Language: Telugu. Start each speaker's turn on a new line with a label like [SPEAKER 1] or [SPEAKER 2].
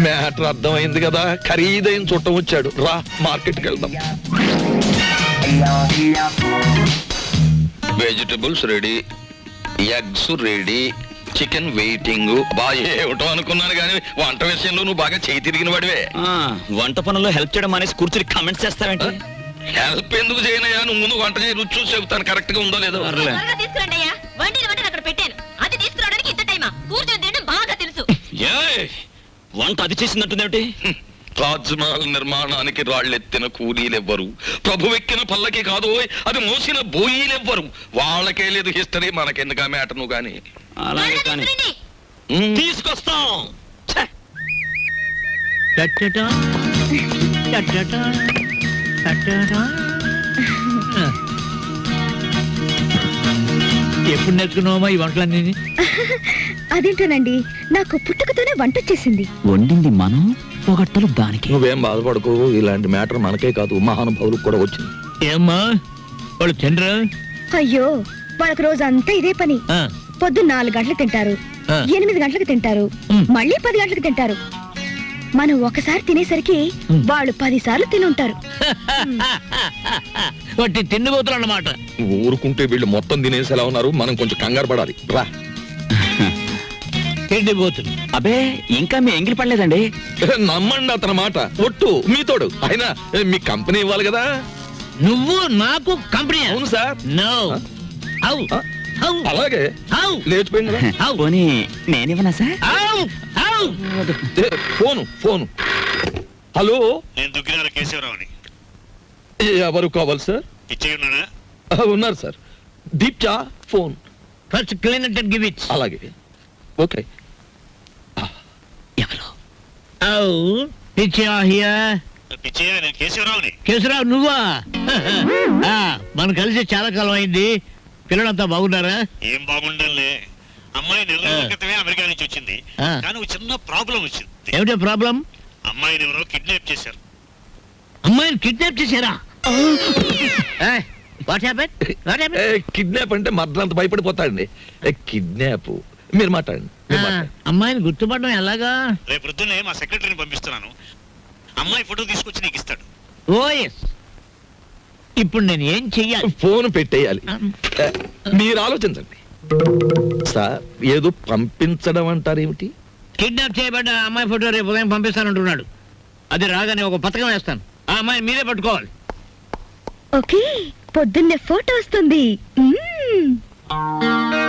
[SPEAKER 1] మ్యాటర్ అర్థమైంది కదా, ఖరీదైన చుట్టం వచ్చాడు. రా మార్కెట్కి వెళ్దాం. Vegetables ready, eggs ready, chicken waiting. బాగా ఏమిటో అనుకున్నాను కానీ వంట విషయంలో నువ్వు బాగా చేయి తిరిగిన వాడివే.
[SPEAKER 2] వంట పనుల్లో హెల్ప్ చేయడం అనేసి కూర్చుని కామెంట్స్ చేస్తావేంటి?
[SPEAKER 1] హెల్ప్ ఎందుకు చేయనయ్యా, నువ్వు ముందు వంట చేయి, రుచి చూసి చెబుతాను కరెక్ట్ గా ఉందో లేదో.
[SPEAKER 2] వంట అది చేసిందంటుందేమిటి?
[SPEAKER 1] తాజ్మహల్ నిర్మాణానికి రాళ్ళెత్తిన కూలీలెవ్వరు, ప్రభువెక్కిన పల్లకి కాదు అది మోసిన బోయీలెవ్వరు. వాళ్ళకే లేదు హిస్టరీ, మనకెందుకు ఆ మ్యాటర్ నువ్వు గాని.
[SPEAKER 2] అలాగే కానీ తీసుకొస్తాం.
[SPEAKER 3] ఎప్పుడు నేర్చుకున్నావమ్మా ఈ వంటలన్నీ?
[SPEAKER 4] అదేంటోనండి, నాకు పుట్టుకతోనే వంట వచ్చేసింది.
[SPEAKER 2] వండింది మనం, పొగట్టలు దానికి.
[SPEAKER 1] నువ్వేం బాధపడకు, ఇలాంటి మ్యాటర్ మనకే కాదు మహానుభావులకు కూడా వచ్చింది.
[SPEAKER 3] ఏమ్మా వాళ్ళు తినరా?
[SPEAKER 4] అయ్యో, వాళ్ళకి రోజంతా ఇదే పని. పొద్దున్న 4 గంటలకు తింటారు, 8 గంటలకు తింటారు, మళ్ళీ 10 గంటలకు తింటారు. మనం ఒకసారి తినేసరికి వాళ్ళు 10 సార్లు తినుంటారు.
[SPEAKER 3] వాటి తిండిపోతులు అన్నమాట.
[SPEAKER 1] ఊరుకుంటే వీళ్ళు మొత్తం తినేసేలా ఉన్నారు, మనం కొంచెం కంగారు పడాలి. రా.
[SPEAKER 3] తిండిపోతులు.
[SPEAKER 2] అబే ఇంకా మీ ఎంగిలి పడలేదండి.
[SPEAKER 1] నమ్మండి అతని మాట, ఒట్టు మీతోడు. అయినా మీ కంపెనీ ఇవ్వాలి కదా.
[SPEAKER 3] నువ్వు నాకు కంపెనీ?
[SPEAKER 1] అవును సార్.
[SPEAKER 3] నో.
[SPEAKER 1] అలాగే లేచిపోయింది కదా.
[SPEAKER 2] పోనీ నేనివ్వనా సార్?
[SPEAKER 1] ఫోను. హలో,
[SPEAKER 5] నేను దుగ్గిరాల కేశవరావుని.
[SPEAKER 1] ఎవరు కావాలి సార్?
[SPEAKER 5] పిచ్చయ్య ఉన్నాడా?
[SPEAKER 1] ఉన్నారు సార్. దీప్చా phone.
[SPEAKER 3] First clean it and give it.
[SPEAKER 1] అలాగే. ఓకే.
[SPEAKER 2] ఎవరు?
[SPEAKER 5] పిచ్చయ్య, నేను కేశవరావుని.
[SPEAKER 3] కేశవరావు నువ్వా? మనం కలిసి చాలా కాలం అయింది. పిల్లలంతా బాగున్నారా?
[SPEAKER 5] ఏం బాగుండాలే. అమ్మాయి 4 రోజుల క్రితమే అమెరికా నుంచి వచ్చింది, కానీ ఒక చిన్న ప్రాబ్లం వచ్చింది.
[SPEAKER 3] ఏమిటో ప్రాబ్లం?
[SPEAKER 5] అమ్మాయిని ఎవరో కిడ్నాప్ చేశారు.
[SPEAKER 3] అమ్మాయిని కిడ్నాప్ చేశారా? What happened?
[SPEAKER 1] కిడ్నాప్ అంటే మర్దలంత భయపడిపోతాడండి. కిడ్నాప్ మీరు మాట్లాడండి.
[SPEAKER 3] అమ్మాయిని గుర్తుపడడం ఎలాగా?
[SPEAKER 5] రేపు పొద్దున్నే మా సెక్రటరీని పంపిస్తున్నాను. అమ్మాయి ఫోటో తీసుకొచ్చి నీకు ఇస్తాడు.
[SPEAKER 3] Oh yes. ఇప్పుడు నేను ఏం చెయ్యాలి?
[SPEAKER 1] ఫోన్ పెట్టేయాలి. మీరు ఆలోచించండి సార్. ఏదో పంపించడం అంటారేమిటి?
[SPEAKER 3] కిడ్నాప్ చేయబడ్డ అమ్మాయి ఫోటో రేపు ఉదయం పంపిస్తానంటున్నాడు. అది రాగానే ఒక పథకం వేస్తాను. ఆ అమ్మాయిని మీరే పట్టుకోవాలి.
[SPEAKER 4] ఓకే, పొద్దున్నే ఫోటో వస్తుంది.